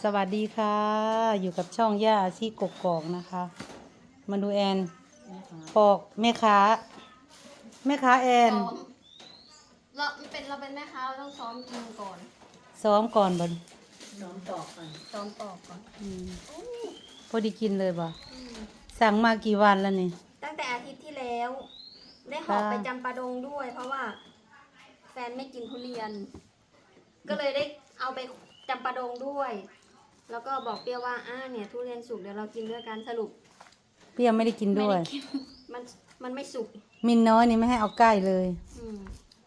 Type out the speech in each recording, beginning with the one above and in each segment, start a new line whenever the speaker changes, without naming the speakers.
สวัสดีค่ะ อยู่กับช่องย่าอาชีกกอกนะคะ มาดูแอนปอกแม่ค้าแอน
ซ้อมเราเป็นแม่ค้าเราต้องซ้อมกินก่อน
ซ้อมก่อนบ่
น้องตอกก่อน
ซ้อมปอกก่อน
พอดีกินเลยบ่
อืม
สั่งมากี่วันแล้วนี่
ตั้งแต่อาทิตย์ที่แล้ว ได้หอบ
ค่ะ
ไปจำปาดงด้วย เพราะว่าแฟนไม่กินทุเรียน ก็เลยได้เอาไปจำปาดงด้วย แล้วก็บอกเปรี้ยวว่าเนี่ยทุเรียนสุกเดี๋ยวเรากินด้วยกันสรุป
เปรี้ยวไม่ได้กิน
ไม่
ด้วย
ได้กิน มันไม่สุก
มินน้อยนี่ไม่ให้เอาใกล้เลย
อืม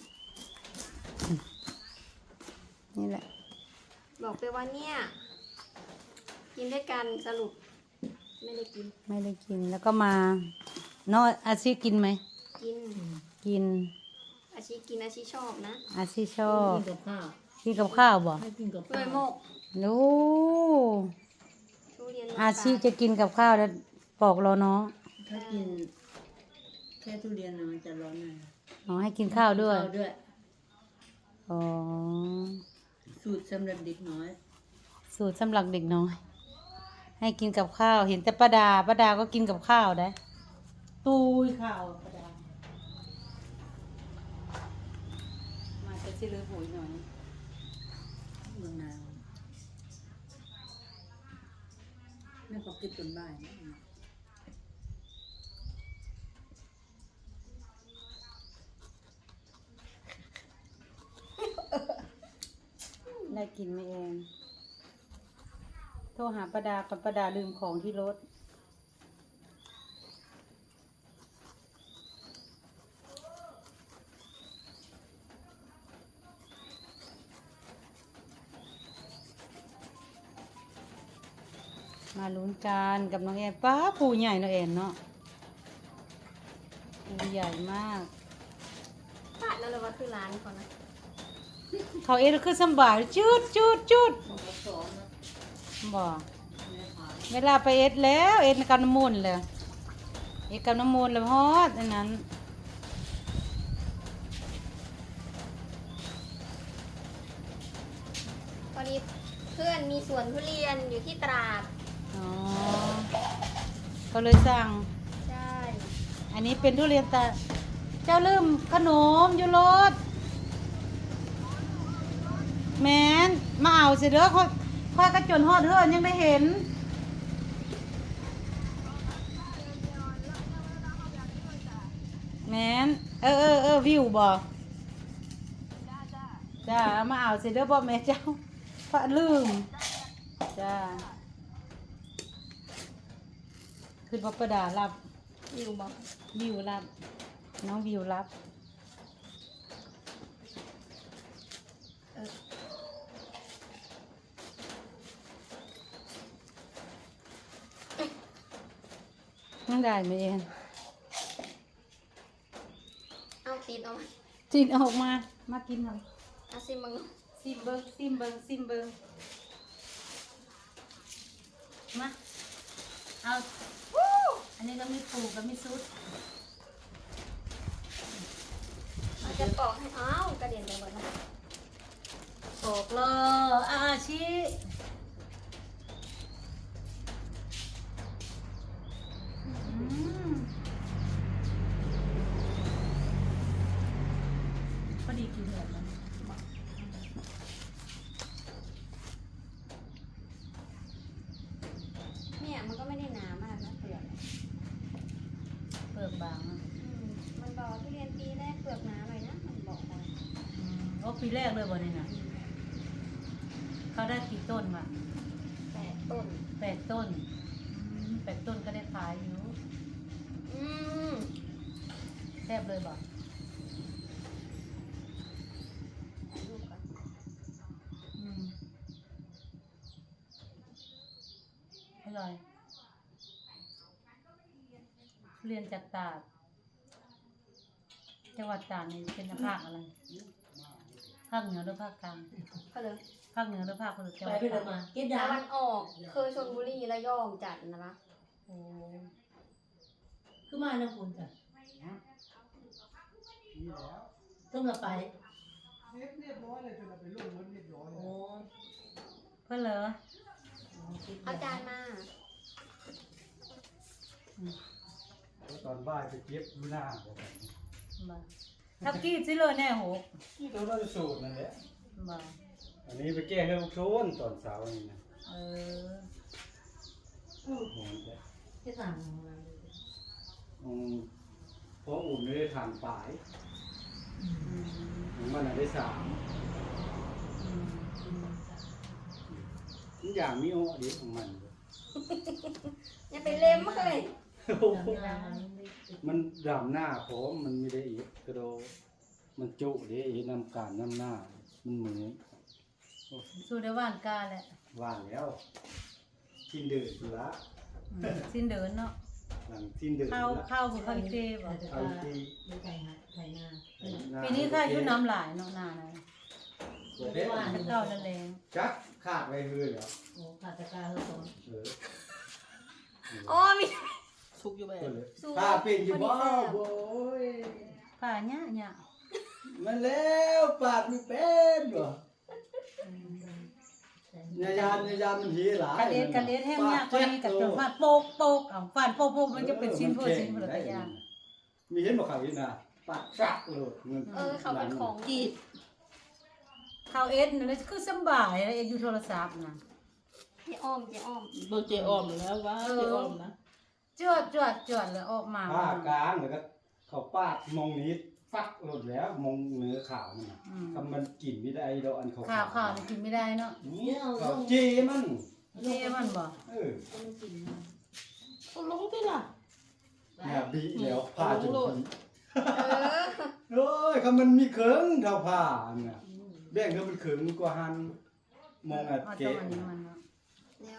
นี่แหละ
บอกเปรี้ยวว่าเนี่ย กินด้วยกันสรุป ไม่ได้กิน
ไม่ได้กินแล้วก็มาน้อยอาชีกินไหม
กิน
กิน
อาชีกินอาชีชอบนะ
อาชีชอบ
กินกับข้าว
กินกับข้าวบ่
ให้กินกับ
เล
ข้าวย
โมก
โอ้
ทุเรียน
อาชีจะกินกับข้าวแล้วปอกเราเนาะ
ถ้ากินแค่ทุเรียนน่ะมันจะร้อนหน่อย
อ๋อให้กินข้าวด้วย
ข้าวด้วย
อ๋อ
สูตรสำหรับเด็กน้อย
สูตรสำหรับเด็กน้อย ให้กินกับข้าว เห็นแต่ป้าดาก็กินกับข้าวได้ตุยข้าวป้าดามาจะสิลือหุยหน่อย
เมืองนาวแม่เขากินเป็นบ่ายนะ
ได้กินไหมเองโทรหาป้าดากับป้าดาลืมของที่รถมาลุ้นกันกับน้องแอนป้าปูใหญ่เนาะแอนเนาะปูใหญ่มาก
พลาดแล้วเลยว่าคือร้านเขานะ
เขาเอ็ดคือสำบายจุด
เขาสอนนะ
บ่
แม่ขาย
เวลาไปเอ็ดแล้วเอ็ดกับน้ำมูลเลยเอ็ดกับน้ำมูลแล้วฮอดอันนั้น
พอดีเพื่อนมีสวนทุเรียนอยู่ที่ตราด
อ๋อก็เลยสั่ง
ใช่
อันนี้เป็นทุเรียนตาเจ้าลืมขนมอยู่รถแมนมาเอาสิเด้อค่อยกระจนฮอดเฮือนยังได้เห็นแมนวิวบ่จ้ามาเอาสิเด้อบ่แม่เจ้าพระลืมจ้าคือบ่ประดารับ
อยู่บอก
วิวรับน้องวิวรับนั่งได้ไหมเอง
เอาตีนเอามา
จินออกมากินหน่อย
เอาซิมึง
ซิมเบิงมาเอาอันนี้ก็มีปูก็มีซุด
เราจะปอกให้อ้าวกระเด็นไปหมดแล้ว
ปอกเลยอาชีพอดีกินแบบนั้น
เนี่ยมันก็ไม่ได้หนามากนะเปลือก
เปลือกบางอะ
มันบอกทุเรียนปีแรกเปลือกหนาหน่อยนะมันบอกมา
โอ้ปีแรกเลยบ่นี่นะเขาได้กี่ต้นวะ
8 ต้น
8 ต้น8 ต้นก็ได้ขายอยู่
อืม
แซ่บเลยบ่
ถ่ายรูปก่อน
อืมอร่อยทุเรียนจากตราดจังหวัดตราดนี่เป็นภาคอะไรภาคเหนือหรือภาคกลาง
เขาเลย
ภาคเหนือหรือภาคตะวัน
ไปไปเลยมากินยา
ตะวันออกคือชลบุรีระยองจัดนะ
โอ้
คือมานะคุณจ้ะต้องมาไป
เรียบร้อยเลยจนเราไปลงรถเรียบร้อย
โอ้
เพื่อนเหรอ
เอาจานมา
ตอนบ่ายไปเก็บดูหน้าบอก
บ่ทับกี้สิเลยแน่โห
ที่ตัวเราสูตรนั่นแหละ
บ่
อันนี้ไปแก้ให้ลูกโซนตอนเช้านี่นะ
เออ
โอ้โห
ที่สั่งมา
เพราะอุ่นไม่ได้ทานปลาย
อืม
มันได้3
อืม
ทุกอย่างมีโอ้ดีของมัน
อย่าไปเล็มเลย
มันดำหน้าผมมันไม่ได้อีกกระโดมันจุเด้อีน้ำการน้ำหน้ามันเหมือน
สู้ได้ว่านกาแหละ
ว่างแล้วทิ้นเดือดอยู่ละ
สิ้นเดินเนาะ
หลังทิ้นเดือด
ข้าวคือข้าวอีเต้บ่
เอาที่
ไม่ไก่ฮะไก่นา
ปีนี้ข้าอยู่น้ำหลายเนาะนาไหน
เด็ด
ข้าวละแรง
จักขาดไปเลยเหรอ
โอ้ขาดตะการแล้วสอง
เออ
อ๋อมี
สุกอยู่แบบ
สูตร
ข้าเป็นอยู่บ่
พอดีแซ่บ
โว้ย
ผ่าเนี่ย
มันแล้วปาดไม่เป็นบ่ยานมันหีหลาย
กะเล็ดแห้งเนี่ยก็มีกับจนฟาดโปกโปกเอาฟาดโปกโปกมันจะเป็นชิ้นเพื่อชิ้นเพื่อตัวอย่าง
มีเห็นบ่เขาอีกนะปาดชักเลยเงิน
เขาเป็นของดี
ข้าวเอสนี่คือสบายแล้วอยู่โทรศัพท์นะ
เจ๊อ้อมเจ๊อ้อม
เบอร์เจออมแล้วว่าเจออมนะ
จวดแล้วออกมา
ผ้ากลางแล้วก็เขาปาดมองนี้ฟักหลดแล้วมองเนื้อขาวมันน่ะทำมันกลิ่นไม่ได้ดอกอันขาว
ข้าวนี่กินไม่ได้เนาะ
นี่เขาเจีมัน
เท่มันบ่
เออ
ก็ลงที่ล่ะ
เนี่ยบีแล้วผ้าจนบี
เออ
โอ้ยคำมันมีเขิงเท่าผ้าอันน่ะแบ่งก็มันเขิงกว่าหันมองอัด
ต้อง
เกะ
อันนี้มันเนาะ
แล้ว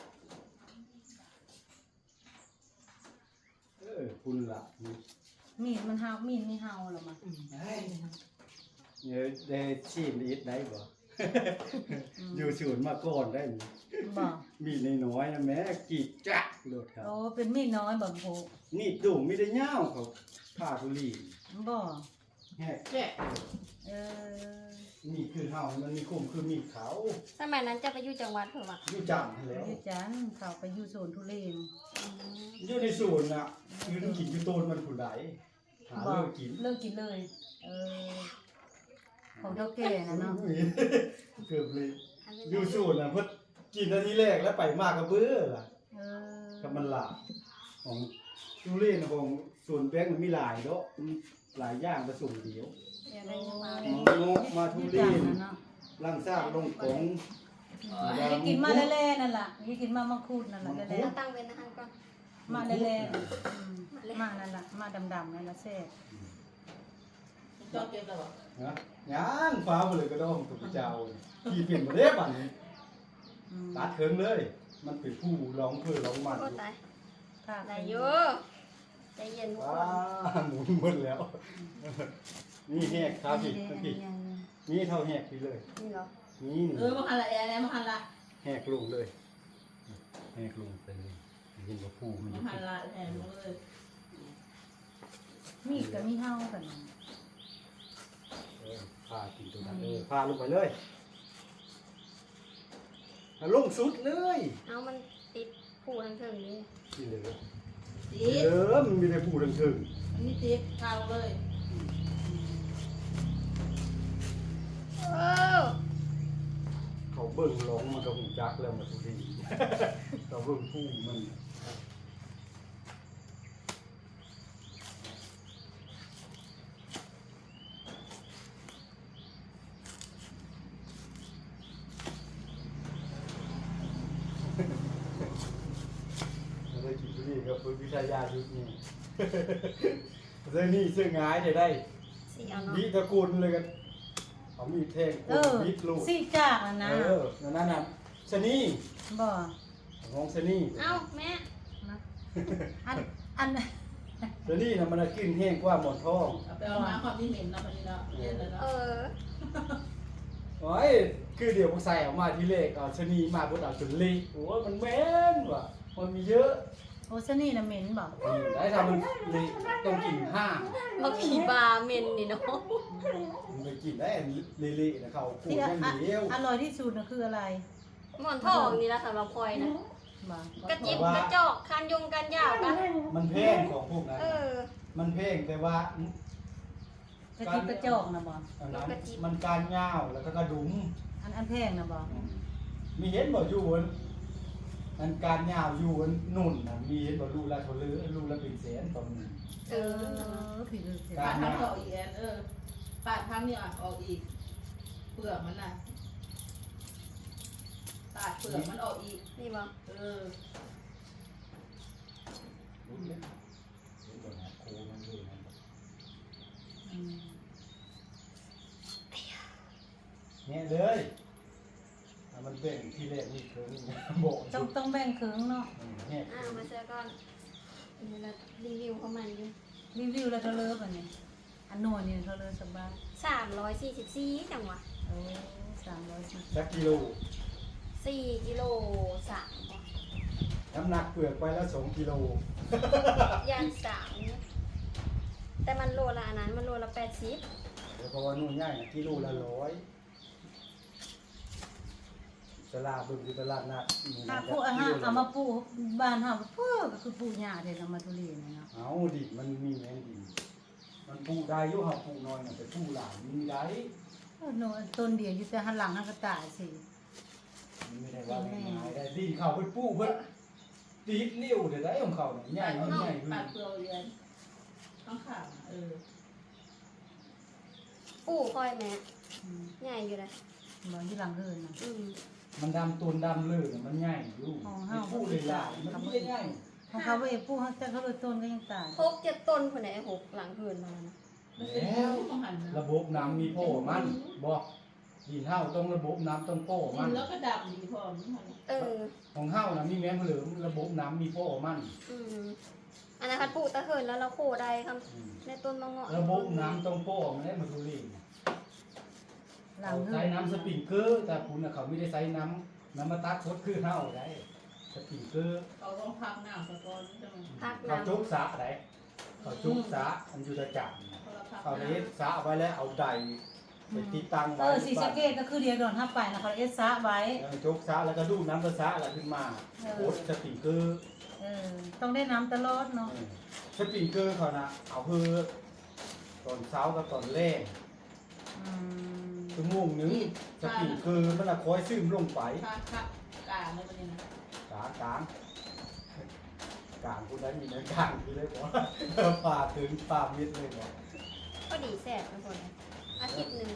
คุณล่ะ
มีดมันเฮามีดไม่เฮาหรอมา
เนี่ยได้ชีพอีทได้บ่ อยู่ศูนย์มาก่อนได้นี่
บ่
มีน้อยๆนะแม่กีดจักโลดครับ
โอ้เป็นมีดน้อยบ่โห
นี่ดุ่มไม่ได้ย่าวเขาผ้าทุลี
บ่
แฮก
แกะ
เออ
นี่คือเฮามันมีคุ้มคือมีเขา
สมัยนั้นจะไปอยู่จังหวัดเผื่อวะ
อยู่จังแล้ว
อยู่จันเขาไปอยู่โซนทุเรศ
อยู่ในศูนย์น่ะยืนกินอยู่โตนมันผู้ใดหา
บ่
เลิกกิน
เลิกกินเลย เออของเท่าแก่นะเนาะ
เกือบเลยอยู่ศูนย์น่ะเพิ่นกินนาทีแรกแล้วไปมากกระเบื้อล่ะ
เออ
กับมันหลายของทุเรศของศูนย์แบงค์มันมีหลายเนาะมันหลายอย่างผสมเดียว
เดี๋ยวได้ยังมา
โนมาทุ
อยู่
เร
จัน
ศ
นะเนาะ
ลังซากลงกง
ให้กินมาแล่ๆนั่นล่ะให้กินมามังคุดนั่นล่ะแล่
เราตั้งเว้นอาหารก่อน
ๆมาแล่ๆมานั่นล่ะมาดำๆนั่นล่ะแซ่บ
จอดเก็บแล้วบ่
นะย่างฟ้าไปเลยก็ต้องถูกเจ้าที่เปลี่ยนประเทศบัดนี้
อืม
ตัดเคิงเลย มันเป็นผู้ร้องเพื่อร้องมัน
โอ้ตาย
ค่ะ
ได้อยู่ใจเย็นทุกค
ว้าน หมุนหมดแล้ว นี่แหกครับพี่พี่นี่เท่าแหกไปเลย
นี่เหรอ
นี่
มาหันละแอร์แล้วมาหันละ
แหกลงเลยแหกลงไปเลยเห็นว่าผู้มันอ
มา
ยู่
หันละแอร์มาเลย
มีดกับมีเฮากัน
พากินตัวนั้นพาลงไปเลยลงสุดเลย
เอามันติดผูทั้งเทิงนี่
นี่เลย
ติด
มันมีแต่ผู้ดังถึง
อันนี้ติดข้าวเลย
เออ
เขาเบิ่งร้องมันก็หูจักแล้วมาทุกที เขาเบิ่งผู้มันเราได้กินทุเรียนกับฟื้นวิทยาชุดนี้ เรื่องนี้เสื้องายได้
สีเอาเนาะ
วิตระกูลเลยกันเขามีแทง
เออ
วิทลูก
สิจากอ่ะนะ
นั่นน่ะชะนี
บ่
ของชะนี
เอาแม่
นะอัน
ชะนีน่ะมันกินแห้งกว่าหมอนทอง
เอาไปเอามาความที่เหม็นแล้วมันนี่แล้วเย็นแล้ว
เอ
เนาะ
อ
โอ้ยคือเดี๋ยวพวกใส่ออกมาทีเลขเอาชะนีมาบดเอาจนเละโอ้ยมันแม่นว่ะมันมีเยอะ
โอซนี่น่ะเหม็นบ่
ได้ทำมันเละต้องกินห้าง
มาขี่บาเมนนี่เนาะ
มันไปกินได้เละๆนะเขาพูด
ที่
อย่างเดียว
อร่อยที่สุดน่ะคืออะไร
อ
หมอนทองนี่ละสำหรับคอยนะ
บ่
กระจิบกระจอกคันยงกันยาวกัน
มันเพลงของพวกนั้น
เออ
มันเพลงแต่ว่าก
ระจิบกระจอกนะบ่
อันนั้นมันการยาวแล้วก็กระดุม
อันแพงนะบ่
มีเห็นบ่อยู่อันอันการยาวอยู่อันนุ่นน่ะมีเห็นบ่รูละเท่าลือรูละเป็นแสนตอนนี้
เออ
ผิดเลยเสีย
ปาดทางออกอีกแอนปาดทางนี่ออกอีกเปลือกมันน่ะปาดเปลือกมันออกอีก
นี่บ่
รู้เลยเห็นบ่นะโคมันอยู่นั่นบ่
อืม
เนี่ยเลยถ้ามันเป็นที่แรกนี่คือบอก
ต้องแบ่งครึ่งเนาะ
เนี่ย
มาเจอก่อนนี่ละรีวิวเขามันอยู่
รีวิวแล้วเท่าเลิฟอันนี้อันโน่นนี่เท่าเลิฟสบาย
344จังหวะ
โอ้310
สักกิโล
4 กิโล3บ่
น้ำหนักเปลือกไปแล้ว2 กิโล
ย่าง3เนี่ยแต่มันโลละอันนั้นมันโลละ80
เดี๋ยวเพราะว่านู่นง่ายนะกิโลละ100ตลาดบึงคือตลาดนัดนี่
ถ้า
นะ
ผู้อาหารเอามาปลูกบ้านเฮาเพิ่ก็คือปลูกหญ้าเด้เอามาทุเรียนเนาะ
เอาดิมันมีแมงดินมันปลูกได้อยู่เฮาปลูกน้อยน่ะแต่ปลูกหลายมีได้
โน่นต้นเดียวอยู่แต่หันหลังหันก็ตายสิ
มันไม่ได้ว่าง่ายๆได้ดินเขาเพิ่นปลูกเพิ่นติดนิ้วเดี๋ยวได้ของเขาเนี่ยใหญ่มันใหญ่
ปาดเปลือกอีกแอนข้างขาเออ
ปู่คอยแม่
อืม
ใหญ่อยู่เลย
บ่อยู่หลังเฮือนน่ะ
มันดำตูนดำเลยน่ะมันใหญ่อยู่
อ๋อ
ไอ้ปลูกเลยล่ะมันไม่ได้ใหญ่
ของเขาบ่เองปลูกแต่เขาเลยต้นก็ยังตาย
6-7 ต้นพุ่นน่ะไอ้6หลังเฮือนมานะ
แล้ว
ต้องหันนะ
ระบบน้ำมีโป้มันบ่ดินเฮาต้องระบบน้ำต้องโป้
กิ
มัน น
แล้วก็ดำดีพอมันหัน
เออ
ของเฮาน่ะมีแมงเหลือมระบบน้ำมีโป้มัน
อืมอันนั้นคันปลูกตะเหินแล้วเราโคได้ค
อืม
ำในต้นมะเงาะ
ระบบน้ำต้องโป้มันได้มาดูลิง
หลัง
เขา
เฮือน
ใช้น้ำสปริงเกอร์แต่คุณน่ะเขาไม่ได้ใช้น้ำมาตักคดคือเฮาได้สปริงเกอร์
เขาต้องพักน้ำสะก้อนใช่ไหม
พัก
เขา
น้ำ
จุกสระได้เขาจุกสระอันอยู่ตะจับน่ะ
เขาละพัก
เอาเลยสระไว้แล้วเอาใดไปติดตั้งไว้
สีสะเกตก็คือเดียวโดนทับไปนะเขาเอสซะไว้
จุกสระแล้วก็ดูดน้ำกระสระแล้วขึ้นมาโคดสปริงเกอร์
ต้องได้น้ำตลอดเนาะ
สปริงเกอร์เขานะเอาเพื่อตอนเช้ากับตอนแรก
อืม
ชั่วโมงหนึงสปริงเกอร์มันละคอยซึมลงไป
พักกลางเลยวันนี้นะ
กลางคุณได้มีเนื้อกลางที่เลยบอกป่าถึงป่ามิดเลยบอก
ก็ดีแสบทุกคนเลยอาทิตย์หนึ่ง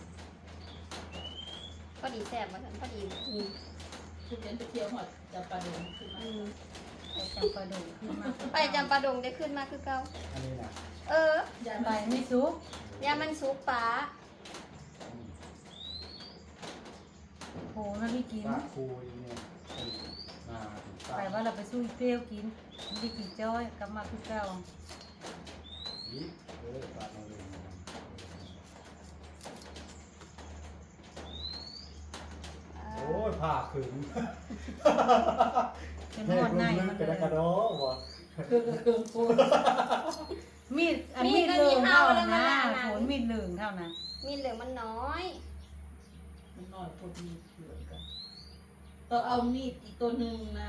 ก็ดีแสบมาทั้งพอดีอืม
คือเดินไปเที่ยวหอดจะปลาเดินขึ้นมา
อืม
ไปจำปาดงขึ้นมา
ไปจำปาดงได้ขึ้นมาคือเก่า
อันนี้นะ
เออ
อย่า
ไป
ไป
ไม่ซุก
ยามันซุปปลา
โหน่าไม่กิน
ป่าคูยเนี่ยมาถึงป่า
ไปว่าเราไปสู้เปรี้ยวกินไม่ได้กินจ้อยกลับมาคือเก่า
อีกป่ามาเลยโอ้ยผ่าขึง
เป็นหมดในมัน
กระ
เล
ดกระ
ย
โดบ่
คือโคตร
มีดอันมีดเหลืองเท่านะโหนมีดเหลืองเท่านะ
มีเหลืองมันน้อย
มันน้อยพอดีเหลือกันต้องเอามีดอีกตัวหนึ่งนะ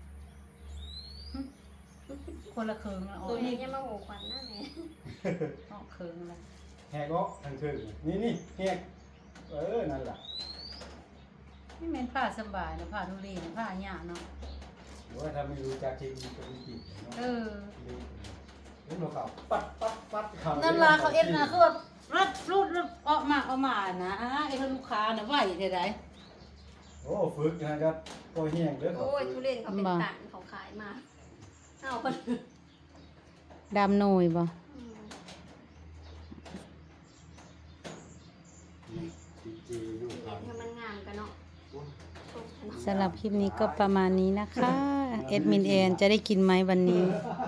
คนละเคืองละอ๋อ
ตัวนี้ยังมาโหควันหน้าแม่
อ๋อเคืองละ
แหกออกทางถึงนี่แหกนั่นแหละ
นี่แม่นผ้าสบายนะผ้าทุเรียนผ้าหยาเนาะ
หรือว่าถ้าไม่รู้จักเทคนิคก็ไม่ติดเนาะ
เออ
เล่นเขาปัดเขา
นั่นล่ะเขาเอ็ดนะคือแบบรัดรูดออกมานะไอ้ลูกค้าน่ะไหวเท่าใด
โอ้ฝึกนะก็ปล่อยแห้งเด้อเขา
โอ้ยทุเรียนเขาเป็นตันเขาขายมาเอาคน
ดำหน่อยบ่
อืม
จีอยู่
เห็นให้มันงามกันเนาะชกกันเนาะ
สำหรับคลิปนี้ก็ประมาณนี้นะคะ เอ็ดมินแอนจะได้กินไหมวันนี้
เ